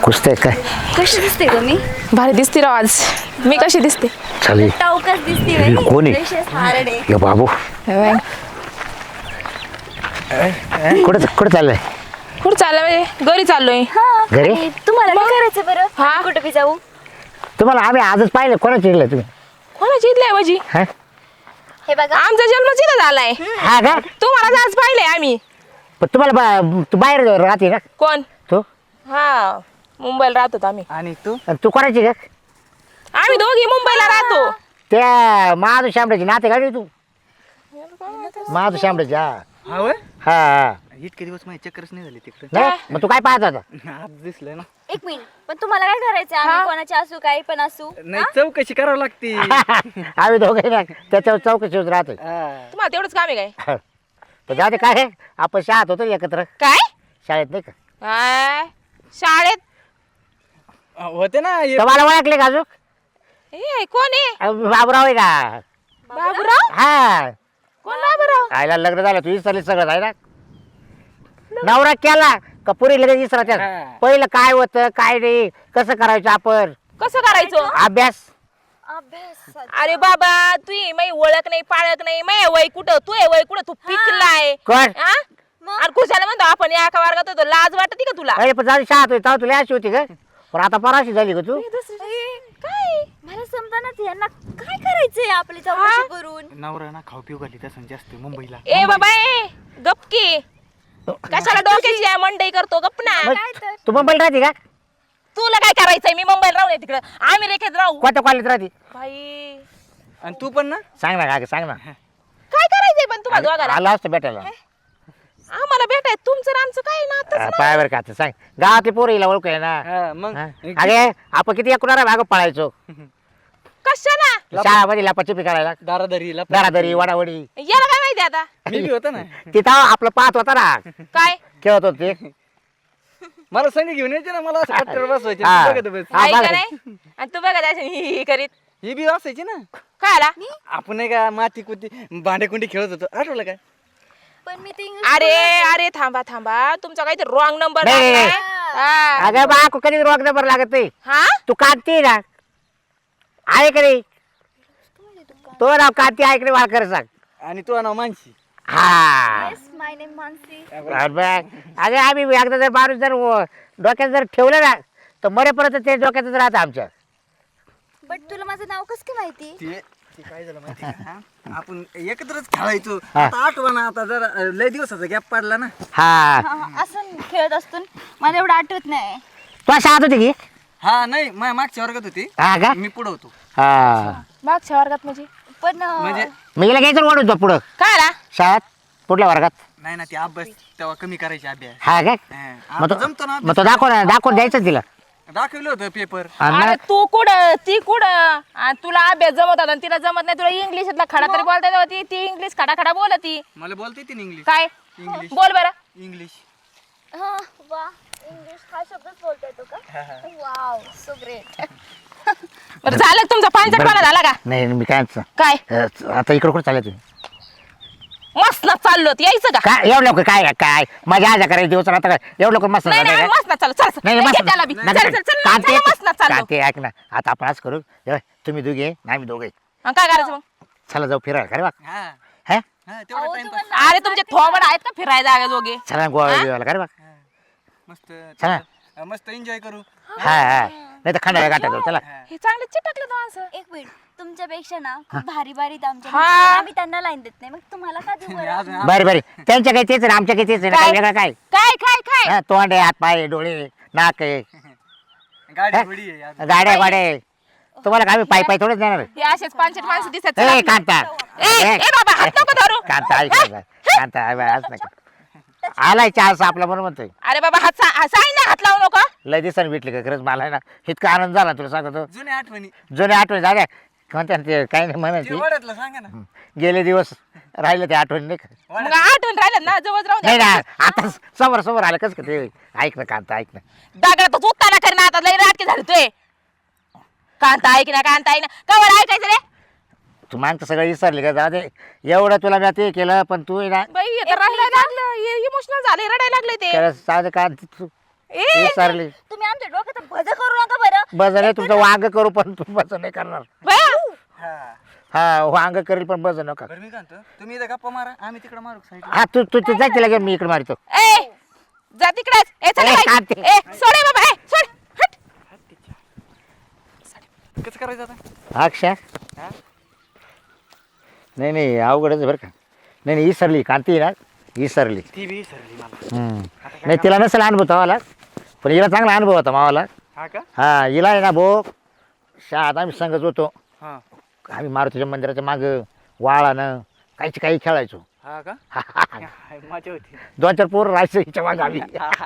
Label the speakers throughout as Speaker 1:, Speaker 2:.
Speaker 1: कुस्ते काय
Speaker 2: कशी दिसते ग मी?
Speaker 3: भारी दिसते राव आज. मी कशी दिसते?
Speaker 1: चालेल
Speaker 2: टावकाच दिसते
Speaker 1: ही
Speaker 2: बाई.
Speaker 1: कोण आहे?
Speaker 2: Precious हारडे.
Speaker 1: ये बाबू कुठं चाललंय
Speaker 3: कुठं चाललोय? घरी चाललोय.
Speaker 2: हा,
Speaker 1: घरी?
Speaker 2: आणि तुम्हाला काय करायचं बरं?
Speaker 3: हा.
Speaker 2: कुठं बी जाऊ?
Speaker 1: तुम्हाला आम्ही आजच पाहिलं कोणाची इडलं तुम्ही
Speaker 3: कोणाची इथली आहे माझी?
Speaker 1: हा
Speaker 2: हे बघा.
Speaker 3: आमचा जन्म तिथं झालाय.
Speaker 1: हा का
Speaker 3: तुम्हाला आज पाहिलंय आम्ही.
Speaker 1: पण तुम्हाला तू बाहेर राहते का
Speaker 3: कोण?
Speaker 1: तू
Speaker 3: हा, मुंबईला राहतो आम्ही.
Speaker 4: आणि तू
Speaker 1: आणि तू कोणाची का
Speaker 3: आम्ही दोघी मुंबईला राहतो.
Speaker 1: त्या महादू शांबड्याची नाते का रे तू महादू शांबड्याची हा
Speaker 4: हा होय?
Speaker 1: हा हा.
Speaker 4: इतके दिवस माझी चक्करच नाही झाली तिकडे
Speaker 1: नाही मग तू काय पाहत होता
Speaker 4: आज दिसलंय ना.
Speaker 2: एक मिनिट, पण तुम्हाला काय करायचं? आम्ही
Speaker 3: हा.
Speaker 2: कोणाचे असू, काही पण असू.
Speaker 4: नाही चौकशी करावं लागते
Speaker 1: आम्ही दोघे ना त्याच्यावर चौकशी होत राहतो
Speaker 3: तुम्हाला तेवढंच काम आहे काय?
Speaker 1: तर जाऊ दे काय आहे, आपण शाळेत होतो एकत्र
Speaker 3: काय?
Speaker 1: शाळेत नाही का
Speaker 3: काय? शाळेत?
Speaker 4: होते ना
Speaker 1: तर मला ओळखले का अजून
Speaker 3: ए, कोण आहे?
Speaker 1: बाबूराव आहे का
Speaker 3: बाबूराव?
Speaker 1: हा
Speaker 3: कोण बाबूराव?
Speaker 1: आईला लग्न झालं तू विसरली सगळं आहे ना नवरा केला का पुरी लगेच विसरायच्या
Speaker 4: हा.
Speaker 1: पहिलं काय होतं काय नाही कसं करायचं आपण
Speaker 3: कसं करायचं?
Speaker 1: अभ्यास
Speaker 2: अभ्यास.
Speaker 3: अरे बाबा, तू मै ओळख नाही पाळख नाही. मै वय कुठं? तू वय कुठं? तू पिकलाय.
Speaker 1: कोण
Speaker 3: हा?
Speaker 2: मग?
Speaker 3: अरे कुशाला म्हणतो आपण एका वर्गात होतो. लाज वाटते का तुला?
Speaker 1: अरे पण जाऊ दे, शाळेत होती तेव्हा तुला अशी होती का पण आता पराशी झाली का तू
Speaker 2: काय? मला समजानाच यांना काय करायचंय आपली चौकशी करून.
Speaker 4: नवरा ना खाऊ पिऊ घाली तसं जास्त मुंबईला
Speaker 3: ए बाबा ए, गपकी. कशाला डोक्याची आहे मंडई करतो? गप ना.
Speaker 1: मग
Speaker 2: काय तर?
Speaker 1: तू मुंबईला राहते का
Speaker 3: तुला काय करायचंय? मी मुंबईला राहू नये तिकडं. आम्ही रेखेत राहू.
Speaker 1: कोणत्या कॉलेज राहते
Speaker 3: बाई,
Speaker 4: आणि तू पण ना
Speaker 1: सांग ना का सांग ना
Speaker 3: काय करायचंय पण तुम्हाला दोघाला?
Speaker 1: आला असतं भेटायला
Speaker 3: आम्हाला भेटाय तुमचं आणि आमचं काय ना?
Speaker 1: पायावर का आता सांग गावातली पोरं हिला ओळखू आहे ना
Speaker 4: हा, मग
Speaker 1: हा? अगे आपण किती एकूण भाग पळायचो
Speaker 3: कशाला?
Speaker 1: शाळामध्ये लपाछपी करायला
Speaker 4: दारादारी
Speaker 1: दारादारी वडावडी
Speaker 3: याला काय माहिती आता?
Speaker 4: मी बी होता ना
Speaker 1: तिथं आपलं पाहत होता ना
Speaker 3: काय?
Speaker 1: खेळत होते
Speaker 4: मला संग घेऊन यायचे ना मला असं कट्टर बसवायचे
Speaker 1: हा.
Speaker 4: बघत बस
Speaker 1: हा,
Speaker 3: काय
Speaker 1: बघा.
Speaker 3: नाही? आणि तू बघा त्याच्या ही करीत
Speaker 4: ही बी असायची ना
Speaker 3: काय आला?
Speaker 4: आपण नाही का माती कुती भांडे कुंडी खेळत होतो आठवलं काय
Speaker 2: पण मी ते इंग्लिश
Speaker 3: अरे अरे थांबा थांबा, तुमचा काहीतरी रॉंग नंबर
Speaker 1: नाही,
Speaker 3: लागलाय.
Speaker 1: नाही.
Speaker 3: हा.
Speaker 1: अगं बा कधी रोग नंबर लागत नाही
Speaker 3: हा?
Speaker 1: तू कांती ना ऐक रे तो नाव कांती ऐक रे मला खरं सांग
Speaker 4: आणि तू नाव मानशी
Speaker 1: हा
Speaker 2: माय नेम मानसी.
Speaker 1: अगं आम्ही एकदा जर माणूस जर डोक्यात जर ठेवलं ना तर मरेपर्यंत ते डोक्यातच राहतं आमच्या
Speaker 2: बट तुला माझं नाव कसं काय माहिती?
Speaker 4: ते काय झालं माहिती का? हा? आपण एकत्रच खेळायचो
Speaker 1: हा.
Speaker 4: आता आठवा ना आता जरा लय दिवसाचा गॅप पडला ना
Speaker 1: हा
Speaker 2: हा, असं खेळत असतो ना. मला एवढं आठवत नाही.
Speaker 1: तू शाळेत होती की
Speaker 4: हा नाही मागच्या वर्गात होती
Speaker 1: हा का
Speaker 4: मी पुढं होतो
Speaker 1: हा
Speaker 3: मागच्या वर्गात म्हणजे
Speaker 2: पण
Speaker 4: म्हणजे
Speaker 1: मी गेला घ्यायचं वाढून तो पुढं
Speaker 3: काय आला?
Speaker 1: शाळेत पुढल्या वर्गात
Speaker 4: नाही ना ते अभ्यास तेव्हा कमी करायचे अभ्यास
Speaker 1: हा काय
Speaker 4: हा,
Speaker 1: मग
Speaker 4: आता जमतो ना
Speaker 1: तो मग तो दाखवून द्यायचं तिला
Speaker 4: दाखवलं होतं पेपर
Speaker 1: आणि
Speaker 3: अरे
Speaker 1: ना-
Speaker 3: तू कुठं ती कुठं आणि तुला अभ्यास जमत होता आणि तिला जमत नाही. तुला इंग्लिशातला खडा तरी बोलता येत होती. ती इंग्लिश खडा खडा बोलती.
Speaker 4: मला बोलता येते ना इंग्लिश
Speaker 3: काय?
Speaker 4: इंग्लिश
Speaker 3: बोल बरं.
Speaker 4: इंग्लिश
Speaker 2: हा, वा, इंग्लिश हा शब्दच बोलता येतो का? Wow, so great.
Speaker 3: बरं झालं का तुमचा पाणचटपणा झाला का?
Speaker 1: नाही मी काय म्हणतो,
Speaker 3: काय
Speaker 1: आता इकडे कुठं चालले तुम्ही
Speaker 3: मस्त ना चाललो होत. यायचं का?
Speaker 1: काय एवढं लवकर काय काय माझ्या आजा करायची दिवस आता काय एवढं लवकर मस्त
Speaker 3: नाही नाही मस्त ना चाललो. चल चल.
Speaker 1: नाही
Speaker 3: घे त्याला बी. चल चल चल चल, मस्त ना चाललो.
Speaker 1: कांते ऐक ना आता आपण आज करू तुम्ही दोघे नाही मी दोघे
Speaker 3: आणि काय करायचं मग?
Speaker 1: चला जाऊ फिरायला खरे बा
Speaker 4: हा
Speaker 1: हा
Speaker 4: हा तेवढा
Speaker 2: अहो,
Speaker 4: टाइमपास
Speaker 2: तुम्हाला
Speaker 3: अरे तुमचे थोबड आहेत का फिरायला जागा जोगे?
Speaker 1: चला गोवा बिवाला खरे बा
Speaker 4: मस्त
Speaker 1: चला.
Speaker 4: मस्त एन्जॉय करू
Speaker 1: हा हा नाही तर खंडाळा गाठा जाऊ चला
Speaker 3: हे चांगले चिटकले तो माणसं.
Speaker 2: एक मिनिट, तुमच्यापेक्षा ना खूप भारी भारी आहेत आमच्या
Speaker 3: हा.
Speaker 2: मित्रांना. आम्ही त्यांना लाईन देत नाही, मग तुम्हाला का देऊ बरं?
Speaker 4: अजून
Speaker 1: बरं बरं त्यांच्या काही तेच आहे ना, आमच्या काही तेच आहे ना,
Speaker 3: काय?
Speaker 1: काय वेगळं काय
Speaker 3: काय काय काय?
Speaker 1: हा, तोंड आहे हात पाय आहे, डोळे आहे, नाक आहे
Speaker 4: गाडी थोडी आहे अजून.
Speaker 1: गाड्या वाड्या आहे. तुम्हाला काय पाय पाय थोडंच देणार
Speaker 3: हे असेच पाणचट माणसं दिसत
Speaker 1: ए कांता
Speaker 3: ए बाबा हात नको धरू.
Speaker 1: कांता ऐक ना, कांता आज नका आलाय चान्स आपला बरोबर म्हणतोय
Speaker 3: अरे बाबा साई ना हात लावू नको.
Speaker 1: लय दिवसांनी भेटली का खरंच मला आहे ना इतका आनंद झाला तुला सांगतो
Speaker 4: जुन्या आठवणी
Speaker 1: जुने आठवणी झाल्या म्हणतात ते काही नाही
Speaker 4: ते
Speaker 1: म्हणायची
Speaker 4: वड्यातलं सांगा ना
Speaker 1: गेले दिवस राहिले ते आठवणी नाही का
Speaker 3: मग आठवण राहिलं ना जवळ राहून
Speaker 1: नाही ना आता समोर समोर आलं कसं का ते ऐक ना कांता ऐक ना
Speaker 3: दगडात उत्ताना कर ना आता लई नाटके झाले तुय. कांता ऐक ना कांता ऐक ना कवर ऐकायचं रे.
Speaker 1: तू मागचं सगळं विसरली का जाऊ दे एवढं तुला मी ते केलं पण तू आहे ना
Speaker 3: बाई आता रडायला लागलं इमोशनल झाले रडायला लागले ते.
Speaker 1: त्याला जाऊ दे का तू
Speaker 3: ए
Speaker 1: विसरली
Speaker 2: तुम्ही आमच्या डोक्यात मजा करू नका बरं.
Speaker 1: बस नाही तुमचं वांग करू पण तू बस नाही करणार.
Speaker 3: बया
Speaker 1: हा वांग करेल पण बस नका.
Speaker 4: बरं मी काय म्हणतो, तुम्ही इथं गप्पा मारा, आम्ही तिकडे मारू साईड.
Speaker 1: हा तू तू जाय तिला घेऊन मी इकडे मारतो.
Speaker 3: ए जा तिकडेच. ए चल
Speaker 1: ए,
Speaker 3: बाई.
Speaker 1: काढते.
Speaker 3: ए सोड ए बाबा. ए सोड. हट.
Speaker 4: कसं करायचं आता?
Speaker 1: अक्षा
Speaker 4: हा?
Speaker 1: नाही नाही अवघडच आहे बरं का. नाही नाही इसरली कांती ना इसरली.
Speaker 4: ती बी सरली मला.
Speaker 1: नाही तिला नसेल अनुभव तवाला पण हिला चांगला अनुभव होता मावाला.
Speaker 4: हा का?
Speaker 1: हा हिला आहे ना भो शाळेत आम्ही संगत होतो.
Speaker 4: हा
Speaker 1: आम्ही मारुतीच्या मंदिराच्या मागं वाळानं काहीच काही खेळायचो.
Speaker 4: हा का? मजा होती.
Speaker 1: 2-4 पोरं राहायचं हिच्या मागं आम्ही.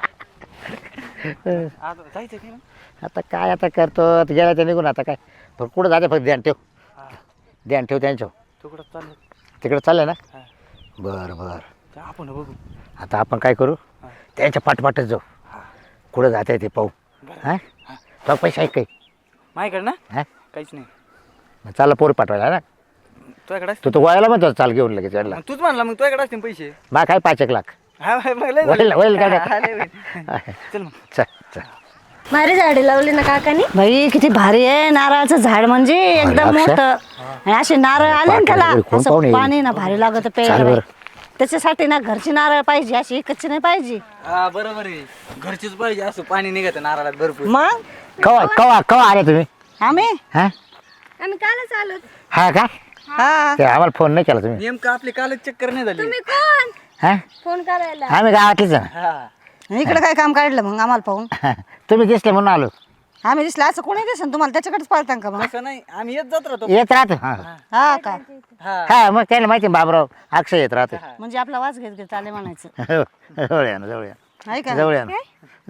Speaker 4: आता जायचं की मग?
Speaker 1: आता काय आता करतो आता गेला तर निघून आता काय पण कुठं जाते फक्त ध्यान ठेव. ध्यान ठेव त्यांच्यावर.
Speaker 4: तू कुठं चाललं?
Speaker 1: तिकडे चाललंय ना.
Speaker 4: हा.
Speaker 1: बरं बरं
Speaker 4: जा आपण बघू.
Speaker 1: आता आपण काय करू
Speaker 4: हा.
Speaker 1: त्यांच्या पाठपाठच जाऊ. कुठं जाते ते पाहू.
Speaker 4: बरं.
Speaker 1: हा तो पैसा आहे काही
Speaker 4: माझ्याकडे ना
Speaker 1: हा
Speaker 4: काहीच नाही.
Speaker 1: मग चालला पोर पाठवायला ना.
Speaker 4: तुझ्याकडे
Speaker 1: तू तो वयाला म्हणतो चाल घेऊन लगेच चढला.
Speaker 4: मग तूच म्हणला, मग तुझ्याकडे असतील पैसे.
Speaker 1: मग काय 5-1 लाख
Speaker 4: हा मग लय
Speaker 1: होईल होईल काय
Speaker 4: हा, लय होईल. चल मग.
Speaker 1: चल चल.
Speaker 2: भारी झाडे लावली ना काकानी.
Speaker 5: बाई किती भारी आहे नारळाचं झाड म्हणजे एकदम
Speaker 1: अक्षय.
Speaker 5: मोठं आणि असे नारळ आले ना त्याला
Speaker 1: कोण
Speaker 5: असं
Speaker 1: पाहुणे?
Speaker 5: पाणी ना भारी लागत
Speaker 1: चाल
Speaker 5: प्यायला
Speaker 1: बरं.
Speaker 5: बाई. त्याच्यासाठी ना घरची नारळ पाहिजे अशी कच्ची नाही पाहिजे.
Speaker 4: हा बरोबर आहे, घरचीच पाहिजे. असं पाणी निघत नारळात भरपूर.
Speaker 5: मग
Speaker 1: कवा कवा कवा आले तुम्ही
Speaker 5: आम्ही
Speaker 1: हा
Speaker 2: आम्ही कालच आलो.
Speaker 1: हा का
Speaker 5: हा
Speaker 1: ते आम्हाला फोन नाही केला तुम्ही.
Speaker 4: नेमकं आपली कालच चक्कर नाही झाली.
Speaker 2: तुम्ही कोण
Speaker 1: हा
Speaker 2: फोन करायला?
Speaker 1: आम्ही गावातलीच आहे.
Speaker 4: हा
Speaker 5: इकडे काय काम काढलं मग आम्हाला पाहून.
Speaker 1: तुम्ही दिसले म्हणून आलो.
Speaker 5: आम्ही दिसलं असं कोणी दिसन तुम्हाला त्याच्याकडेच पाळतां का मग.
Speaker 4: असं नाही, आम्ही येत जात राहतो.
Speaker 1: येत राहतो हा
Speaker 5: हा का
Speaker 4: हा
Speaker 1: हा मग त्याला माहिती आहे बाबराव अक्षय येत राहतो.
Speaker 5: म्हणजे आपला वाच घेत घेत चाले म्हणायचं
Speaker 1: जवळ या ना जवळ या
Speaker 5: आहे का
Speaker 1: जवळ या ना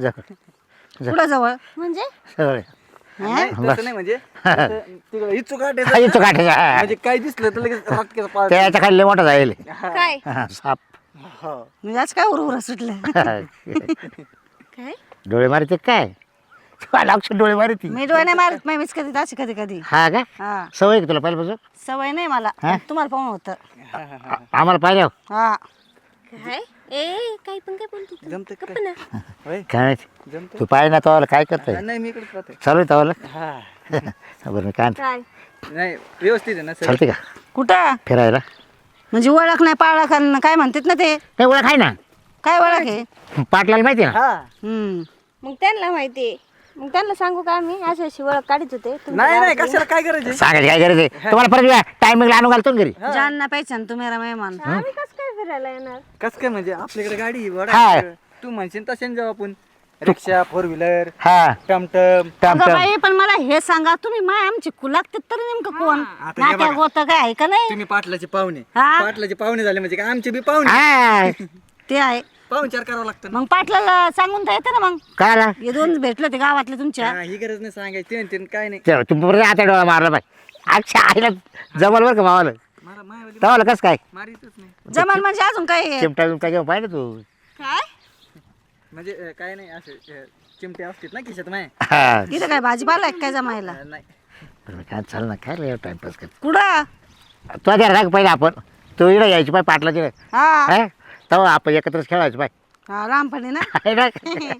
Speaker 1: जवळ
Speaker 5: कुठं जवळ
Speaker 2: म्हणजे
Speaker 1: जवळ या.
Speaker 4: नाही, तसं नाही म्हणजे तिकडे इच्छू
Speaker 1: हा,
Speaker 4: काढायचं
Speaker 1: इथं काठायचं, हा.
Speaker 4: म्हणजे काही दिसलं तर लगेच राटकेचं पाळ.
Speaker 1: त्याच्या खाली लय मोठा जाईल
Speaker 2: काय
Speaker 1: साप.
Speaker 5: म्हणजे आज काय उर सुटलं.
Speaker 2: काय
Speaker 1: डोळे मारते काय लक्ष डोळे मारती.
Speaker 5: मी डोळे नाही मारत नाही मीच कधी अशी कधी कधी
Speaker 1: हा का
Speaker 5: हा
Speaker 1: सवय आहे का तुला पहिल्यापासून.
Speaker 5: सवय नाही मला
Speaker 1: हा?
Speaker 5: तुम्हाला पाहून होतं.
Speaker 1: आम्हाला पाहिलं
Speaker 5: हा
Speaker 2: काय ए काय पण काय बोलतो तू?
Speaker 4: जमतं का?
Speaker 2: गप्प ना.
Speaker 4: होय,
Speaker 1: काय माहिती
Speaker 4: जमतं.
Speaker 1: तू पाहिजे ना तवाला काय करतोय
Speaker 4: नाही मी इकडेच राहते.
Speaker 1: चालू आहे तवाला.
Speaker 4: हा
Speaker 1: बरं मी काय म्हणतो,
Speaker 2: काय
Speaker 4: नाही व्यवस्थित आहे ना सर.
Speaker 1: चालते का
Speaker 5: कुठं
Speaker 1: फिरायला.
Speaker 5: म्हणजे ओळख नाही पाळख आणि काय म्हणतात ना ते
Speaker 1: नाही ओळख आहे ना
Speaker 5: काय ओळख आहे.
Speaker 1: पाटलाला माहिती आहे ना.
Speaker 4: हा
Speaker 5: हम्म
Speaker 2: मग त्यांना माहिती मग त्यांना सांगू का आम्ही अशी अशी ओळख काढत होते तुमच्या
Speaker 4: नाही नाही,
Speaker 2: गावातली.
Speaker 4: कशाला काय करायचं.
Speaker 1: सांगायची काय गरज आहे तुम्हाला परत टायमिंगला आणून घालतो ना घरी.
Speaker 5: जानना पहचान तू मेरा मेहमान.
Speaker 2: आम्ही कसं काय फिरायला येणार?
Speaker 4: कस काय म्हणजे आपल्याकडे गाडी आहे,
Speaker 1: हा.
Speaker 4: वडा. तू म्हणशील तशाने जाऊ आपण. रिक्षा, 4 व्हीलर,
Speaker 1: हा
Speaker 4: टमटम.
Speaker 1: टम
Speaker 5: अगं
Speaker 1: टम
Speaker 5: बाई पण मला हे सांगा तुम्ही माय आमची कुलागते तर नेमकं कोण
Speaker 4: आता हे
Speaker 5: नाट्या
Speaker 4: बघा.
Speaker 5: गोत काय आहे का नाही.
Speaker 4: तुम्ही पाटलाचे पाहुणे.
Speaker 5: हा.
Speaker 4: पाटलाचे पाहुणे झाले म्हणजे काय आमचे बी पाहुणे.
Speaker 1: हा
Speaker 5: ते आहे
Speaker 4: पाहुणचार करावं लागतं ना.
Speaker 5: मग पाटलाला सांगून तर येते ना मग
Speaker 1: काय आला
Speaker 5: हे दोन भेटले ते गावातले तुमच्या.
Speaker 4: हा, ही गरज नाही सांगायची ते काय नाही.
Speaker 1: तुम्ही परत आता डोळा मारला पाय अच्छा आईला जमल बरं का मावाला
Speaker 4: मारा मायावाली
Speaker 1: तवाला कसं काय
Speaker 4: मारीतच नाही.
Speaker 5: जमान म्हणजे अजून काय आहे?
Speaker 1: चिमटा बिमटा घेऊन पाहिजे तू.
Speaker 5: काय
Speaker 4: म्हणजे काय नाही असं चिमटे असतात ना खिशात माय.
Speaker 1: हा
Speaker 5: इथं काय भाजीपाला आहे काय जमायला.
Speaker 4: नाही
Speaker 1: बरं मी काय चाल ना काय रे टाइमपास कर
Speaker 5: कुठं
Speaker 1: तू द्या राग पहिले आपण तू इकडे यायची पाय पाटलाची
Speaker 5: हा
Speaker 1: हा तेव्हा आपण एकत्रच खेळायचं पाय
Speaker 5: हा लहानपणी ना
Speaker 1: आहे ना?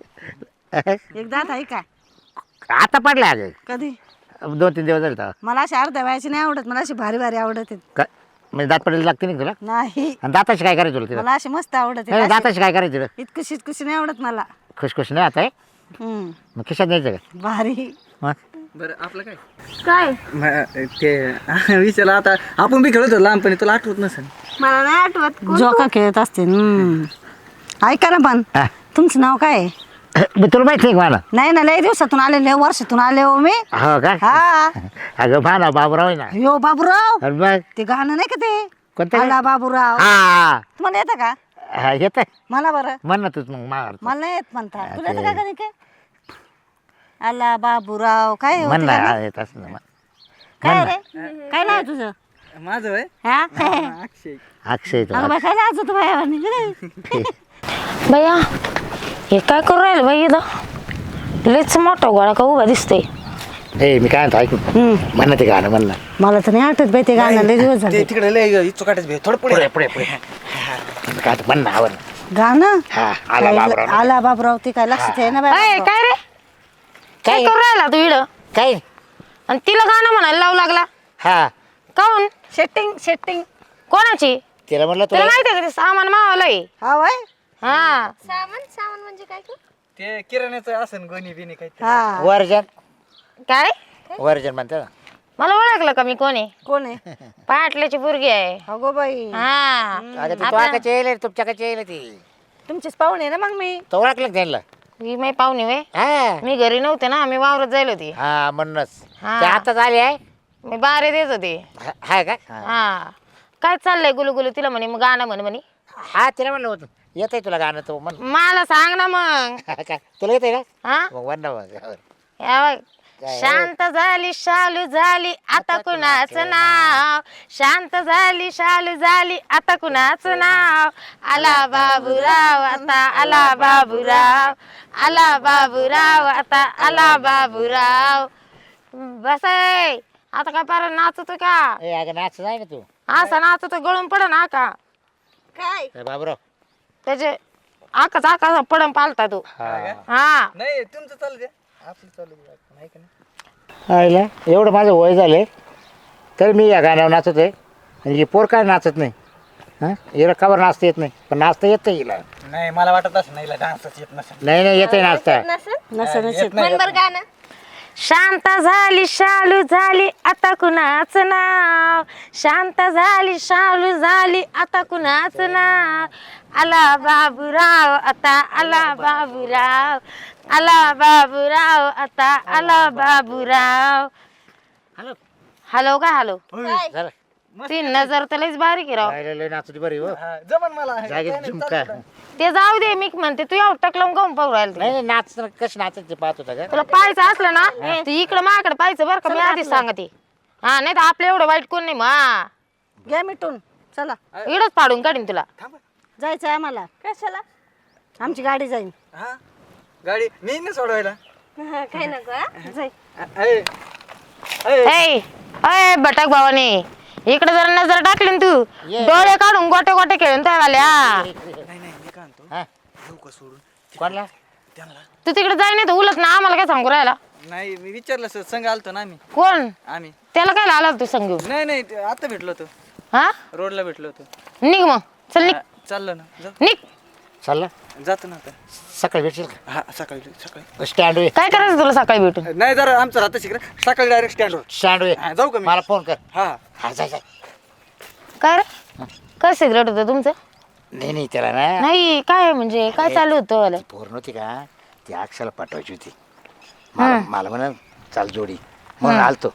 Speaker 5: एक दात आहे का
Speaker 1: आता पडलं अगं
Speaker 5: कधी
Speaker 1: 2-3 दिवस झाले तेव्हा.
Speaker 5: मला अशी अर्ध्या वयाची नाही आवडत मला अशी भारी भारी आवडत आहेत.
Speaker 1: काय म्हणजे दात पडायला लागते नाही तुला
Speaker 5: नाही
Speaker 1: आणि दाताशी काय करायचं तुला तिला
Speaker 5: मला अशी मस्त आवडत
Speaker 1: नाही, दाताशी काय करायचं तुला
Speaker 5: इतकशी इतकशी नाही आवडत मला.
Speaker 1: खुशखुश नाही आता आहे
Speaker 5: हम्म
Speaker 1: मग खिशात द्यायचं का
Speaker 5: भारी.
Speaker 1: मग
Speaker 4: बरं आपलं काय
Speaker 2: काय
Speaker 4: ते विचारलं आता आपण बी खेळत होतो लहानपणी, तुला आठवत नसेल.
Speaker 2: मला नाही आठवत कोण
Speaker 5: जोका खेळत असते. ऐका ना पण
Speaker 1: हा.
Speaker 5: तुमचं नाव काय आहे?
Speaker 1: मग तुला माहिती आहे का मला
Speaker 5: नाही ना लय दिवसातून आले लय वर्षातून आले हो मी.
Speaker 1: हो काय
Speaker 5: हा
Speaker 1: अगं भाना बाबूराव आहे ना
Speaker 5: यो बाबूराव
Speaker 1: आणि मग
Speaker 5: ते गाणं नाही का ते
Speaker 1: कोणतं
Speaker 5: आला बाबूराव
Speaker 1: हा
Speaker 5: तुम्हाला येतं का?
Speaker 1: हा येत
Speaker 5: मला बरं
Speaker 1: म्हण ना तूच मग मार
Speaker 5: मला नाही येत म्हणता तुला येतं का का नाही काय? आला बाबूराव काय होतं
Speaker 1: म्हण ना
Speaker 5: गाणं?
Speaker 1: हा, येत असं ना मग.
Speaker 5: काय रे काय नाव तुझं?
Speaker 4: माझं वय
Speaker 5: हा
Speaker 4: अक्षय.
Speaker 1: अक्षय तो
Speaker 5: अगं बाई काय लाज होतं बाया.
Speaker 3: भैया हे काय करू राहिलं बाई इथं लयच मोठा गोळा का उभा दिसतोय.
Speaker 1: ए मी काय म्हणतो ऐकून म्हण ना ते गाणं म्हण ना
Speaker 5: मला तर नाही आठवत बाई ते गाणं लय दिवस झाले.
Speaker 4: ते तिकडे लय इच्छू काटायचं भे. थोडं पुढे
Speaker 1: पुढे पुढे काय ते म्हण ना आवड
Speaker 5: गाणं
Speaker 1: हा आला बाबूराव
Speaker 5: आला बाबूराव ते काय लक्षात आहे ना
Speaker 3: अय,
Speaker 5: बाई.
Speaker 3: काय रे काय
Speaker 1: काय
Speaker 3: करू राहिला तू इड
Speaker 1: काय
Speaker 3: आणि तिला गाणं म्हणायला लावू लागला
Speaker 1: हा
Speaker 3: काऊन
Speaker 5: सेटिंग
Speaker 3: कोणाची
Speaker 1: तिला म्हणलं
Speaker 3: तुला
Speaker 1: तुला
Speaker 3: माहिती आहे का ते सामान मावालंय
Speaker 5: हा वय
Speaker 3: हा
Speaker 2: सामान म्हणजे काय का
Speaker 4: ते किराण्याचं असन गोणी बिनी काही
Speaker 5: हा
Speaker 1: वर्जन
Speaker 3: काय
Speaker 1: वर्जन म्हणतात
Speaker 3: मला ओळखलं का मी कोणी
Speaker 5: कोण आहे
Speaker 3: पाटल्याची पोरगी आहे
Speaker 5: अगो बाई
Speaker 3: हा
Speaker 1: अगं ती तुझ्याकडे येईल तुमच्याकडे येईल ती
Speaker 5: तुमचीच पाहुणे ना मग मी
Speaker 1: तो ओळखलं का त्यांना
Speaker 3: ही माही पाहुणे वे
Speaker 1: हा
Speaker 3: मी घरी नव्हते ना मी वावरत जायला होती
Speaker 1: हा म्हणूनच
Speaker 3: हा.
Speaker 1: ते आताच आले आहे
Speaker 3: मी बारे देत होते
Speaker 1: हाय का हा.
Speaker 3: हा काय चाललंय गुलू तिला म्हणे मग गाणं म्हणे
Speaker 1: हा तिला म्हणलं होतं येत आहे तुला गाणं तो म्हण
Speaker 3: मला सांग ना मग
Speaker 1: काय तुला येत आहे का
Speaker 3: हा
Speaker 1: मग म्हण ना मग
Speaker 3: या बघ. शांत झाली शालू झाली आता कुणाचं नाव शांत झाली शालू झाली आता कुणाचं नाव आला बाबूराव आता आला बाबूराव आला बाबूराव आता आला बाबूराव बस आहे आता काय पार नाचतो का
Speaker 1: ए अगं नाच नाही ना तू
Speaker 3: असा नाचतो गळून पड ना का
Speaker 5: काय
Speaker 1: ए, बाबूराव
Speaker 3: त्याचे आकाच पडम पालता तू
Speaker 1: हा
Speaker 3: हा
Speaker 4: नाही तुमचं चालू द्या आपलं चालू द्या नाही का नाही
Speaker 1: आईला एवढं माझं वय झाले तर मी या गाण्यावर नाचत आहे आणि ही पोर काय नाचत नाही हां हिला कवर नाचता येत नाही पण नाचता येतं हिला
Speaker 4: नाही मला वाटत असं नाही डान्सच येत नसेल
Speaker 1: नाही येते नाचता
Speaker 5: नसेल
Speaker 2: म्हण बरं गाणं
Speaker 3: शांत झाली शालू झाली आता कुणाचं नाव शांत झाली शालू झाली आता कुणाचं नाव आला बाबूराव आता आला बाबूराव आला बाबूराव आता आला बाबूराव
Speaker 1: हॅलो
Speaker 3: हॅलो का हॅलो
Speaker 2: काय
Speaker 1: झालं
Speaker 3: ती नजर तर लईच बारीक आहे राव
Speaker 1: राहिलं लय नाचती बरी हो
Speaker 4: जमन मला
Speaker 1: जागेत झुमका
Speaker 3: ते जाऊ दे मी म्हणते तू एवढं टकलावून काऊन पाहू राहिला ते?
Speaker 1: नाही नाही नाच कसं नाचत ते पाहत होता का
Speaker 3: तुला पाहायचं असलं ना तर इकडं माझ्याकडे पाहायचं बरं का मी आधीच सांगते हा नाही तर आपलं एवढं वाईट कोण नाही मग
Speaker 5: घ्या मिटून चला
Speaker 3: इकडंच पाडून काढीन तुला
Speaker 5: जायचं आम्हाला
Speaker 2: कशाला
Speaker 5: आमची गाडी जाईल
Speaker 4: हा गाडी मी ना सोडवायला
Speaker 2: काय नको हा?
Speaker 5: जाई
Speaker 4: अय, अय,
Speaker 3: ए अय भटक भावाने इकडे जर नजर टाकली ना तू डोळे काढून गोटे गोटे खेळून त्यावाल्या
Speaker 4: नाही नाही मी काय म्हणतो
Speaker 1: हा
Speaker 4: घेऊ का सोडून
Speaker 1: कोणला
Speaker 4: त्यांना
Speaker 3: तू तिकडे जाय नाही तर उलट ना आम्हाला काय सांगू राहिला
Speaker 4: नाही मी विचारलं सर संघ आलतो ना आम्ही
Speaker 3: कोण
Speaker 4: आम्ही
Speaker 3: त्याला काय आला तू सांगू
Speaker 4: नाही नाही ते आता भेटलो होतो
Speaker 3: हा
Speaker 4: रोडला भेटलो होतो
Speaker 3: निघ मग चल निघ
Speaker 4: चाललो ना
Speaker 3: निघ
Speaker 1: चालला
Speaker 4: जातो ना आता
Speaker 1: सकाळी भेटशील का
Speaker 4: हा सकाळी सकाळी
Speaker 1: स्टँड वे
Speaker 3: काय करायचं तुला सकाळी भेटून
Speaker 4: नाही जरा आमचं राहतं शिकरा सकाळी डायरेक्ट स्टँडवर
Speaker 1: स्टँड वे
Speaker 4: जाऊ का मी
Speaker 1: मला फोन कर
Speaker 4: हा
Speaker 1: हा जाय जाय
Speaker 3: काय रे काय सिगरेट होतं तुमचं
Speaker 1: नाही त्याला ना
Speaker 3: नाही काय म्हणजे काय चालू होतं वालं?
Speaker 1: ती पोर नव्हती का ती अक्षाला पाठवायची होती मला म्हणा चाल जोडी म्हणून आलतो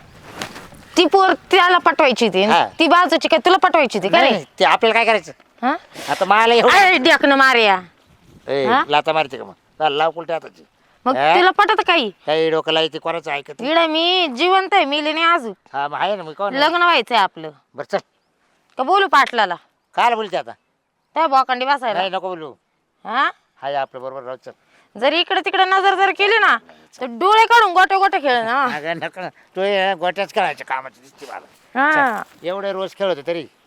Speaker 3: ती पोर त्याला पटवायची होती
Speaker 1: हा.
Speaker 3: ती बाजूची काय तुला पटवायची होती का
Speaker 1: नाही
Speaker 3: रे
Speaker 1: नाही, ते आपल्याला काय करायचं
Speaker 3: हा
Speaker 1: आता मला एवढं
Speaker 3: अरे ढेकणं मार्या
Speaker 1: ए,
Speaker 3: हा?
Speaker 1: लाता मारते का मग चाल, लाव कुलटे हाताची
Speaker 3: मग
Speaker 1: हा?
Speaker 3: तुला पटत काही
Speaker 1: काही डोक्याला येते कोणाचं ऐकत नाही.
Speaker 3: इड मी जिवंत आहे मिली नाही अजून
Speaker 1: हा मग आहे ना मी कोण
Speaker 3: लग्न व्हायचंय आपलं
Speaker 1: बरं चल
Speaker 3: का बोलू पाटलाला
Speaker 1: काय बोलते आता
Speaker 3: त्या बॉकंडी बसायला
Speaker 1: नाही नको बोलू
Speaker 3: हा
Speaker 1: हाय आपलं बरोबर राहू चल
Speaker 3: जर इकडे तिकडे नजर जर केली ना तर डोळे काढून गोटे गोटे खेळ ना
Speaker 1: अगं नको ना. तू हे गोट्याच करायच्या कामाची दिसते मला
Speaker 3: हा
Speaker 1: एवढे रोज खेळ होते तरी